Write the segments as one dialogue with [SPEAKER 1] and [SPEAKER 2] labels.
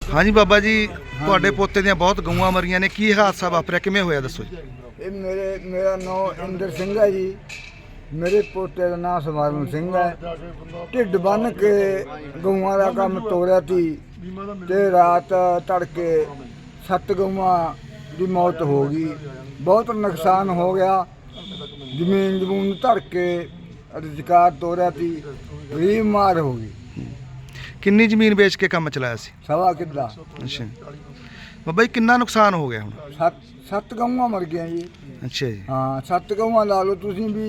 [SPEAKER 1] हाँ जी बाबा जी, ਤੁਹਾਡੇ ਪੋਤੇ ਦੀਆਂ ਬਹੁਤ ਗਊਆਂ ਮਰੀਆਂ ਨੇ, ਕੀ ਹਾਦਸਾ ਵਾਪਰਿਆ, ਕਿਵੇਂ ਹੋਇਆ ਦੱਸੋ ਜੀ।
[SPEAKER 2] ਇਹ ਮੇਰਾ ਨਾਮ ਇੰਦਰ ਸਿੰਘ ਹੈ ਜੀ। ਮੇਰੇ ਪੋਤੇ ਦਾ ਨਾਮ ਸਵਰਨ ਸਿੰਘ ਹੈ। ਢਿੱਡ ਬੰਨ ਕੇ ਗਊਆਂ ਦਾ ਕੰਮ ਤੋਰਿਆ ਸੀ ਤੇ ਰਾਤ ਤੜਕੇ 7 ਗਊਆਂ ਦੀ ਮੌਤ ਹੋ ਗਈ। ਬਹੁਤ ਨੁਕਸਾਨ ਹੋ ਗਿਆ। ਜ਼ਮੀਨ ਜਮੂਨ ਧਰ ਕੇ ਰੁਜ਼ਗਾਰ ਤੋਰਿਆ ਸੀ, ਗਰੀਬ ਮਾਰ ਹੋ ਗਈ।
[SPEAKER 1] ਕਿੰਨੀ ਜ਼ਮੀਨ ਵੇਚ ਕੇ ਕੰਮ ਚਲਾਇਆ ਸੀ?
[SPEAKER 2] ਸਵਾ ਕਿੱਲਾ।
[SPEAKER 1] ਅੱਛਾ ਬਾਬਾ ਜੀ, ਕਿੰਨਾ ਨੁਕਸਾਨ ਹੋ ਗਿਆ ਹੁਣ?
[SPEAKER 2] 7 ਗਊਆਂ ਮਰ ਗਈਆਂ ਜੀ।
[SPEAKER 1] ਅੱਛਾ ਜੀ।
[SPEAKER 2] ਹਾਂ 7 ਗਊਆਂ ਲਾ ਲਓ ਤੁਸੀਂ ਵੀ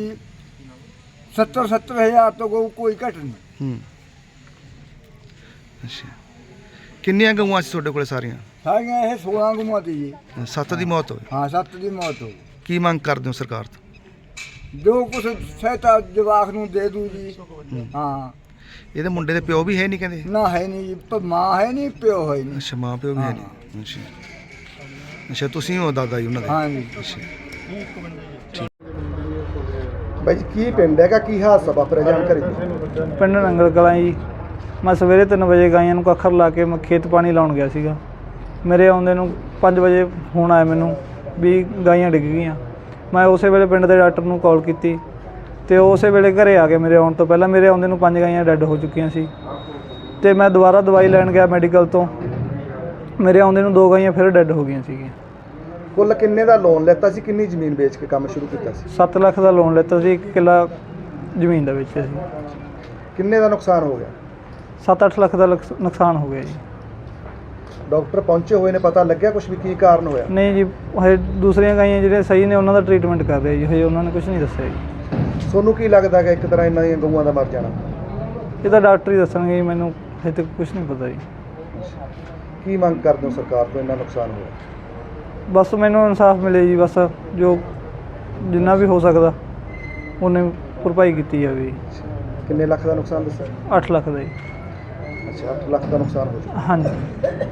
[SPEAKER 2] 70 ਹਜ਼ਾਰ ਤੋਂ ਗਊ ਕੋਈ ਘਟ ਨਹੀਂ।
[SPEAKER 1] ਅੱਛਾ, ਕਿੰਨੀਆਂ ਗਊਆਂ ਸੀ ਤੁਹਾਡੇ ਕੋਲ ਸਾਰੀਆਂ?
[SPEAKER 2] ਸਾਰੀਆਂ ਇਹ 16 ਗਊਆਂ ਸੀ ਜੀ।
[SPEAKER 1] 7 ਦੀ ਮੌਤ ਹੋਈ।
[SPEAKER 2] ਹਾਂ 7 ਦੀ ਮੌਤ ਹੋ ਗਈ।
[SPEAKER 1] ਕੀ ਮੰਗ ਕਰਦੇ ਹੋ ਸਰਕਾਰ ਤੋਂ?
[SPEAKER 2] ਜੋ ਕੁਛ ਸਹਾਇਤਾ ਜਵਾਕ ਨੂੰ ਦੇ ਦੂ ਜੀ। ਹਾਂ
[SPEAKER 1] ਇਹਦੇ ਮੁੰਡੇ ਦੇ ਪਿਓ ਵੀ ਹੈ ਨਹੀਂ ਕਹਿੰਦੇ?
[SPEAKER 2] ਨਾ ਹੈ ਨਹੀਂ ਜੀ, ਮਾਂ ਹੈ ਨਹੀਂ, ਪਿਓ ਹੈ ਨਹੀਂ।
[SPEAKER 1] ਅੱਛਾ, ਮਾਂ ਪਿਓ ਵੀ ਹੈ ਨਹੀਂ। ਅੱਛਾ ਤੁਸੀਂ ਹੋ ਦਾਦਾ ਜੀ ਉਹਨਾਂ ਦੇ?
[SPEAKER 2] ਹਾਂ ਜੀ।
[SPEAKER 1] ਅੱਛਾ ਬਾਈ ਜੀ, ਕੀ ਪਿੰਡ ਹੈਗਾ, ਕੀ ਹਾਦਸਾ ਵਾਪਰਿਆ, ਜਾਣਕਾਰੀ ਦਿਓ।
[SPEAKER 3] ਪਿੰਡ ਨੰਗਲ ਕਲਾਂ ਜੀ। ਮੈਂ ਸਵੇਰੇ 3 ਵਜੇ ਗਾਈਆਂ ਨੂੰ ਕੱਖਰ ਲਾ ਕੇ ਮੈਂ ਖੇਤ ਪਾਣੀ ਲਾਉਣ ਗਿਆ ਸੀਗਾ। ਮੇਰੇ ਆਉਂਦੇ ਨੂੰ 5 ਵਜੇ ਫੋਨ ਆਇਆ ਮੈਨੂੰ ਵੀ ਗਾਈਆਂ ਡਿੱਗ ਗਈਆਂ। ਮੈਂ ਉਸੇ ਵੇਲੇ ਪਿੰਡ ਦੇ ਡਾਕਟਰ ਨੂੰ ਕਾਲ ਕੀਤੀ ਤੇ ਉਸੇ ਵੇਲੇ ਘਰੇ ਆ ਗਏ। ਮੇਰੇ ਆਉਣ ਤੋਂ ਪਹਿਲਾਂ ਮੇਰੇ ਆਉਂਦੇ ਨੂੰ 5 ਗਾਈਆਂ ਡੈੱਡ ਹੋ ਚੁੱਕੀਆਂ ਸੀ ਤੇ ਮੈਂ ਦੁਬਾਰਾ ਦਵਾਈ ਲੈਣ ਗਿਆ ਮੈਡੀਕਲ ਤੋਂ। ਮੇਰੇ ਆਉਂਦੇ ਨੂੰ 2 ਗਾਈਆਂ ਫਿਰ ਡੈੱਡ ਹੋ ਗਈਆਂ ਸੀਗੀਆਂ।
[SPEAKER 1] ਕੁੱਲ ਕਿੰਨੇ ਦਾ ਲੋਨ ਲੈਤਾ ਸੀ, ਕਿੰਨੀ ਜ਼ਮੀਨ ਵੇਚ ਕੇ ਕੰਮ ਸ਼ੁਰੂ ਕੀਤਾ ਸੀ?
[SPEAKER 3] 7 ਲੱਖ ਦਾ ਲੋਨ ਲਿੱਤਾ ਸੀ, 1 ਕਿੱਲਾ ਜ਼ਮੀਨ ਦਾ ਵੇਚਿਆ ਸੀ।
[SPEAKER 1] ਕਿੰਨੇ ਦਾ ਨੁਕਸਾਨ ਹੋ ਗਿਆ?
[SPEAKER 3] 7-8 ਲੱਖ ਦਾ ਨੁਕਸਾਨ ਹੋ ਗਿਆ ਜੀ।
[SPEAKER 1] ਡਾਕਟਰ ਪਹੁੰਚੇ ਹੋਏ ਨੇ, ਪਤਾ ਲੱਗਿਆ ਕੁਝ ਵੀ ਕੀ ਕਾਰਨ ਹੋਇਆ?
[SPEAKER 3] ਨਹੀਂ ਜੀ, ਹਜੇ ਦੂਸਰੀਆਂ ਗਾਈਆਂ ਜਿਹੜੀਆਂ ਸਹੀ ਨੇ ਉਹਨਾਂ ਦਾ ਟ੍ਰੀਟਮੈਂਟ ਕਰ ਰਹੇ ਜੀ, ਹਜੇ ਉਹਨਾਂ ਨੇ ਕੁਝ ਨਹੀਂ ਦੱਸਿਆ ਜੀ।
[SPEAKER 1] ਤੁਹਾਨੂੰ ਕੀ ਲੱਗਦਾ ਕਿ ਇੱਕ ਤਰ੍ਹਾਂ ਇਹਨਾਂ ਦੀਆਂ ਗਊਆਂ ਦਾ ਮਰ ਜਾਣਾ?
[SPEAKER 3] ਇਹ ਤਾਂ ਡਾਕਟਰ ਹੀ ਦੱਸਣਗੇ ਜੀ, ਮੈਨੂੰ ਹਜੇ ਤੱਕ ਕੁਝ ਨਹੀਂ ਪਤਾ ਜੀ।
[SPEAKER 1] ਕੀ ਮੰਗ ਕਰਦੇ ਹੋ ਸਰਕਾਰ ਤੋਂ, ਇੰਨਾ ਨੁਕਸਾਨ ਹੋਇਆ?
[SPEAKER 3] ਬਸ ਮੈਨੂੰ ਇਨਸਾਫ ਮਿਲੇ ਜੀ, ਬਸ ਜੋ ਜਿੰਨਾ ਵੀ ਹੋ ਸਕਦਾ ਉਹਨੇ ਭਰਪਾਈ ਕੀਤੀ ਜਾਵੇ ਜੀ।
[SPEAKER 1] ਕਿੰਨੇ ਲੱਖ ਦਾ ਨੁਕਸਾਨ ਦੱਸਿਆ?
[SPEAKER 3] 8 ਲੱਖ ਦਾ ਜੀ।
[SPEAKER 1] ਅੱਛਾ, 8 ਲੱਖ ਦਾ ਨੁਕਸਾਨ ਹੋ ਚੁੱਕਾ।
[SPEAKER 3] ਹਾਂਜੀ।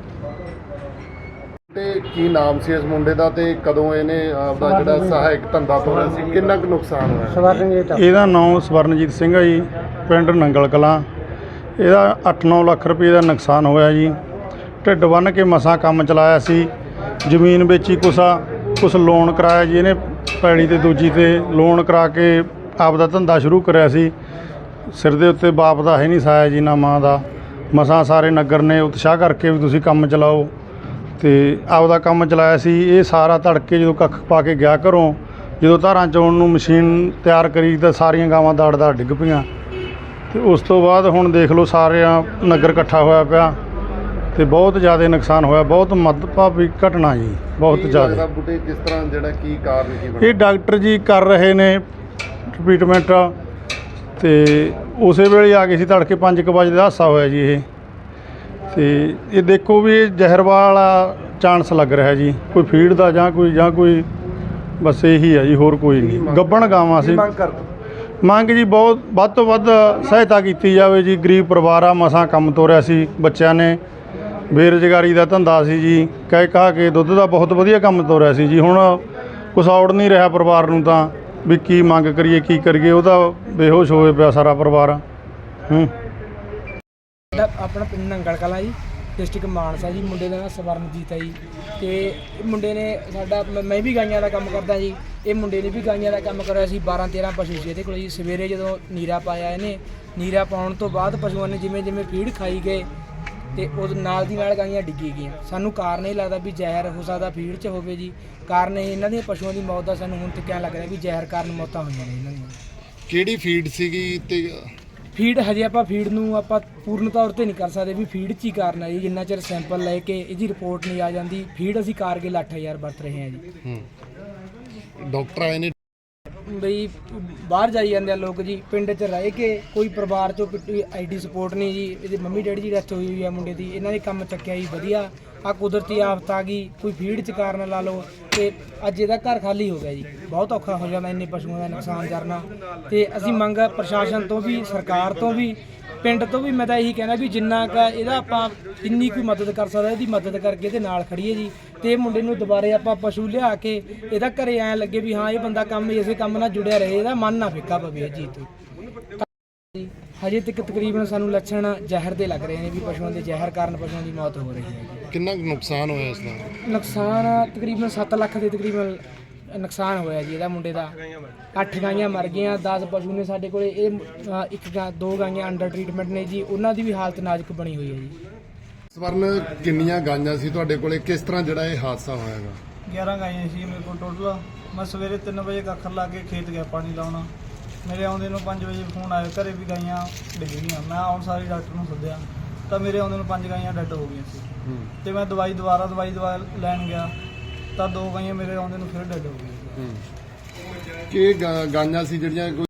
[SPEAKER 4] ਤੇ ਕੀ ਨਾਮ ਸੀ ਇਸ ਮੁੰਡੇ ਦਾ ਤੇ ਕਦੋਂ ਇਹਨੇ ਆਪਦਾ ਜਿਹੜਾ ਸਹਾਇਕ ਧੰਦਾ ਤੋਰਿਆ ਸੀ, ਕਿੰਨਾ ਕੁ ਨੁਕਸਾਨ ਹੋਇਆ?
[SPEAKER 5] ਇਹਦਾ ਨਾਮ ਸਵਰਨਜੀਤ ਸਿੰਘ ਹੈ ਜੀ, ਪਿੰਡ ਨੰਗਲ ਕਲਾਂ। ਇਹਦਾ 8-9 ਲੱਖ ਰੁਪਏ ਦਾ ਨੁਕਸਾਨ ਹੋਇਆ ਜੀ। ਢਿੱਡ ਬੰਨ੍ਹ ਕੇ ਮਸਾਂ ਕੰਮ ਚਲਾਇਆ ਸੀ। ਜ਼ਮੀਨ ਵੇਚੀ ਕੁਛ ਲੋਨ ਕਰਾਇਆ ਜੀ ਇਹਨੇ, ਪੈਲੀ ਤੇ ਦੂਜੀ ਤੇ ਲੋਨ ਕਰਾ ਕੇ ਆਪਦਾ ਧੰਦਾ ਸ਼ੁਰੂ ਕਰਿਆ ਸੀ। ਸਿਰ ਦੇ ਉੱਤੇ ਬਾਪ ਦਾ ਹੈ ਨਹੀਂ ਸਾਇਆ ਜੀ, ਨਾ ਮਾਂ ਦਾ। ਮਸਾਂ ਸਾਰੇ ਨਗਰ ਨੇ ਉਤਸ਼ਾਹ ਕਰਕੇ ਵੀ ਤੁਸੀਂ ਕੰਮ ਚਲਾਓ ਤੇ ਆਪਦਾ ਕੰਮ ਚਲਾਇਆ ਸੀ। ਇਹ ਸਾਰਾ ਤੜਕੇ ਜਦੋਂ ਕੱਖ ਪਾ ਕੇ ਗਿਆ ਘਰੋਂ, ਜਦੋਂ ਧਾਰਾਂ ਚੋਣ ਨੂੰ ਮਸ਼ੀਨ ਤਿਆਰ ਕਰੀ ਤਾਂ ਸਾਰੀਆਂ ਗਾਵਾਂ ਦੜ ਡਿੱਗ ਪਈਆਂ। ਤੇ ਉਸ ਤੋਂ ਬਾਅਦ ਹੁਣ ਦੇਖ ਲਓ ਸਾਰਿਆਂ ਨਗਰ ਇਕੱਠਾ ਹੋਇਆ ਪਿਆ ਤੇ ਬਹੁਤ ਜ਼ਿਆਦਾ ਨੁਕਸਾਨ ਹੋਇਆ। ਬਹੁਤ ਮੰਦਭਾਗੀ ਘਟਨਾ ਜੀ, ਬਹੁਤ ਜ਼ਿਆਦਾ।
[SPEAKER 4] ਬੁੱਢੇ ਕਿਸ ਤਰ੍ਹਾਂ ਜਿਹੜਾ ਕੀ ਕਾਰਨ ਕੀ
[SPEAKER 5] ਇਹ ਡਾਕਟਰ ਜੀ ਕਰ ਰਹੇ ਨੇ ਟ੍ਰੀਟਮੈਂਟ ਤੇ ਉਸੇ ਵੇਲੇ ਆ ਗਏ ਸੀ। ਤੜਕੇ 5 ਵਜੇ ਦਾ ਹਾਦਸਾ ਹੋਇਆ ਜੀ ਇਹ। ਤੇ ਇਹ ਦੇਖੋ ਵੀ ਇਹ ਜ਼ਹਿਰ ਵਾਲਾ ਚਾਂਸ ਲੱਗ ਰਿਹਾ ਜੀ, ਕੋਈ ਫੀਡ ਦਾ ਜਾਂ ਕੋਈ ਬਸ ਇਹੀ ਹੈ ਜੀ, ਹੋਰ ਕੋਈ ਨਹੀਂ। ਗੱਭਣ ਗਾਵਾਂ ਸੀ। ਮੰਗ ਜੀ ਬਹੁਤ ਵੱਧ ਤੋਂ ਵੱਧ ਸਹਾਇਤਾ ਕੀਤੀ ਜਾਵੇ ਜੀ। ਗਰੀਬ ਪਰਿਵਾਰ ਆ, ਮਸਾਂ ਕੰਮ ਤੋਰਿਆ ਸੀ ਬੱਚਿਆਂ ਨੇ, ਬੇਰੁਜ਼ਗਾਰੀ ਦਾ ਧੰਦਾ ਸੀ ਜੀ। ਕਹਿ ਕੇ ਦੁੱਧ ਦਾ ਬਹੁਤ ਵਧੀਆ ਕੰਮ ਤੋਰਿਆ ਸੀ ਜੀ। ਹੁਣ ਕੁਛ ਔੜ ਨਹੀਂ ਰਿਹਾ ਪਰਿਵਾਰ ਨੂੰ, ਤਾਂ ਵੀ ਕੀ ਮੰਗ ਕਰੀਏ, ਕੀ ਕਰੀਏ। ਉਹਦਾ ਬੇਹੋਸ਼ ਹੋਏ ਪਿਆ ਸਾਰਾ ਪਰਿਵਾਰ।
[SPEAKER 6] ਆਪਣਾ ਪਿੰਡ ਨੰਗਲ ਕਲਾਂ ਜੀ, ਡਿਸਟ੍ਰਿਕਟ ਮਾਨਸਾ ਜੀ। ਮੁੰਡੇ ਦਾ ਨਾਮ ਸਵਰਨਜੀਤ ਹੈ ਜੀ। ਤੇ ਇਹ ਮੁੰਡੇ ਨੇ ਸਾਡਾ, ਮੈਂ ਵੀ ਗਾਈਆਂ ਦਾ ਕੰਮ ਕਰਦਾ ਜੀ। ਇਹ ਮੁੰਡੇ ਨੇ ਵੀ ਗਾਈਆਂ ਦਾ ਕੰਮ ਕਰਿਆ ਸੀ। 12-13 ਪਸ਼ੂ ਸੀ ਇਹਦੇ ਕੋਲ ਜੀ। ਸਵੇਰੇ ਜਦੋਂ ਨੀਰਾ ਪਾਇਆ ਇਹਨੇ, ਨੀਰਾ ਪਾਉਣ ਤੋਂ ਬਾਅਦ ਪਸ਼ੂਆਂ ਨੇ ਜਿਵੇਂ ਫੀਡ ਖਾਈ ਗਏ ਤੇ ਉਹ ਨਾਲ ਦੀ ਨਾਲ ਗਾਈਆਂ ਡਿੱਗੀ ਗਈਆਂ। ਸਾਨੂੰ ਕਾਰਨ ਇਹ ਲੱਗਦਾ ਵੀ ਜ਼ਹਿਰ ਹੋ ਸਕਦਾ ਫੀਡ 'ਚ ਹੋਵੇ ਜੀ। ਕਾਰਨ ਇਹਨਾਂ ਦੀਆਂ ਪਸ਼ੂਆਂ ਦੀ ਮੌਤ ਦਾ ਸਾਨੂੰ ਹੁਣ ਤੱਕ ਲੱਗ ਰਿਹਾ ਵੀ ਜ਼ਹਿਰ ਕਾਰਨ ਮੌਤਾਂ ਹੋਈਆਂ ਨੇ ਇਹਨਾਂ ਦੀਆਂ।
[SPEAKER 4] ਕਿਹੜੀ ਫੀਡ ਸੀਗੀ ਤੇ
[SPEAKER 6] ਫੀਡ ਹਜੇ ਆਪਾਂ ਫੀਡ ਨੂੰ ਆਪਾਂ ਪੂਰਨ ਤੌਰ ਤੇ ਨਹੀਂ ਕਰ ਸਕਦੇ ਵੀ ਫੀਡ 'ਚ ਹੀ ਕਾਰਨ ਹੈ ਜੀ। ਜਿੰਨਾ ਚਿਰ ਸੈਂਪਲ ਲੈ ਕੇ ਇਹਦੀ ਰਿਪੋਰਟ ਨਹੀਂ ਆ ਜਾਂਦੀ, ਫੀਡ ਅਸੀਂ ਕਾਰਗਿਲ 8000 ਵਰਤ ਰਹੇ ਹਾਂ ਜੀ।
[SPEAKER 4] ਡਾਕਟਰ ਆਏ ਨੇ
[SPEAKER 6] ਬਈ ਬਾਹਰ ਜਾਈ ਜਾਂਦੇ ਆ ਲੋਕ ਜੀ, ਪਿੰਡ 'ਚ ਰਹਿ ਕੇ ਕੋਈ ਪਰਿਵਾਰ 'ਚੋਂ ਆਈਡੀ ਸਪੋਰਟ ਨਹੀਂ ਜੀ। ਇਹਦੇ ਮੰਮੀ ਡੈਡੀ ਦੀ ਡੈਥ ਹੋਈ ਹੋਈ ਆ ਮੁੰਡੇ ਦੀ, ਇਹਨਾਂ ਨੇ ਕੰਮ ਚੱਕਿਆ ਜੀ ਵਧੀਆ। ਆ ਕੁਦਰਤੀ ਆਫਤ ਆ ਗਈ, ਕੋਈ ਫੀਡ 'ਚ ਕਾਰਨ ਲਾ ਲਓ ਤੇ ਅੱਜ ਇਹਦਾ ਘਰ ਖਾਲੀ ਹੋ ਗਿਆ ਜੀ। ਬਹੁਤ ਔਖਾ ਹੋ ਜਾਂਦਾ ਇੰਨੇ ਪਸ਼ੂਆਂ ਦਾ ਨੁਕਸਾਨ ਕਰਨਾ। ਤੇ ਅਸੀਂ ਮੰਗ ਪ੍ਰਸ਼ਾਸਨ ਤੋਂ ਵੀ, ਸਰਕਾਰ ਤੋਂ ਵੀ, ਪਿੰਡ ਤੋਂ ਵੀ ਮੈਂ ਤਾਂ ਇਹੀ ਕਹਿਣਾ ਵੀ ਜਿੰਨਾ ਕੁ ਇਹਦਾ ਆਪਾਂ ਜਿੰਨੀ ਕੋਈ ਮਦਦ ਕਰ ਸਕਦਾ ਇਹਦੀ ਮਦਦ ਕਰਕੇ ਇਹਦੇ ਨਾਲ ਖੜੀਏ ਜੀ। ਤੇ ਇਹ ਮੁੰਡੇ ਨੂੰ ਦੁਬਾਰੇ ਆਪਾਂ ਪਸ਼ੂ ਲਿਆ ਕੇ ਇਹਦਾ ਘਰੇ ਐਂ ਲੱਗੇ ਵੀ ਹਾਂ ਇਹ ਬੰਦਾ ਕੰਮ ਇਸੇ ਕੰਮ ਨਾਲ ਜੁੜਿਆ ਰਹੇ, ਇਹਦਾ ਮਨ ਨਾ ਫਿੱਕਾ ਪਵੇ ਜੀ ਤੋਂ। ਜੀ ਹਜੇ ਤੱਕ ਤਕਰੀਬਨ ਸਾਨੂੰ ਲੱਛਣ ਜ਼ਹਿਰ ਦੇ ਲੱਗ ਰਹੇ ਨੇ ਵੀ ਪਸ਼ੂਆਂ ਦੇ ਜ਼ਹਿਰ ਕਾਰਨ ਪਸ਼ੂਆਂ ਦੀ ਮੌਤ ਹੋ ਰਹੀ ਹੈ ਜੀ।
[SPEAKER 4] ਕਿੰਨਾ ਕੁ ਨੁਕਸਾਨ ਹੋਇਆ ਇਸ ਦਾ?
[SPEAKER 6] ਨੁਕਸਾਨ ਤਕਰੀਬਨ 7 ਲੱਖ ਦੇ ਤਕਰੀਬਨ ਨੁਕਸਾਨ ਹੋਇਆ ਜੀ ਇਹਦਾ ਮੁੰਡੇ ਦਾ। 8 ਗਾਈਆਂ ਮਰ ਗਈਆਂ, 10 ਪਸ਼ੂ ਨੇ ਸਾਡੇ ਕੋਲੇ। ਇਹ 2 ਗਾਈਆਂ ਅੰਡਰ ਟ੍ਰੀਟਮੈਂਟ ਨੇ ਜੀ, ਉਹਨਾਂ ਦੀ ਵੀ ਹਾਲਤ ਨਾਜ਼ੁਕ ਬਣੀ ਹੋਈ ਹੈ ਜੀ।
[SPEAKER 4] ਸਵਰਨ, ਕਿੰਨੀਆਂ ਗਾਈਆਂ ਸੀ ਤੁਹਾਡੇ ਕੋਲੇ? ਕਿਸ ਤਰ੍ਹਾਂ ਜਿਹੜਾ ਇਹ ਹਾਦਸਾ ਹੋਇਆਗਾ?
[SPEAKER 3] 11 ਗਾਈਆਂ ਸੀ ਮੇਰੇ ਕੋਲ ਟੋਟਲ। ਮੈਂ ਸਵੇਰੇ 3 ਵਜੇ ਕੱਖਰ ਲਾ ਕੇ ਖੇਤ ਗਿਆ ਪਾਣੀ ਲਾਉਣਾ। ਮੇਰੇ ਆਉਂਦੇ ਨੂੰ 5 ਵਜੇ ਫੋਨ ਆਇਆ, ਘਰੇ ਵੀ ਗਾਈਆਂ ਡਿੱਗ ਗਈਆਂ। ਮੈਂ ਆਉਣ ਸਾਰੀ ਡਾਕਟਰ ਨੂੰ ਸੱਦਿਆ ਤਾਂ ਮੇਰੇ ਆਉਂਦੇ ਨੂੰ 5 ਗਾਈਆਂ ਡੈੱਡ ਹੋ ਗਈਆਂ ਸੀ। ਤੇ ਮੈਂ ਦਵਾਈ ਦਵਾ ਲੈਣ ਗਿਆ ਤਾਂ 2 ਗਾਈਆਂ ਮੇਰੇ ਆਉਂਦੇ ਨੂੰ ਫਿਰ ਡੈੱਡ ਹੋ ਗਈਆਂ।
[SPEAKER 4] ਕੀ ਗਾਈਆਂ ਸੀ ਜਿਹੜੀਆਂ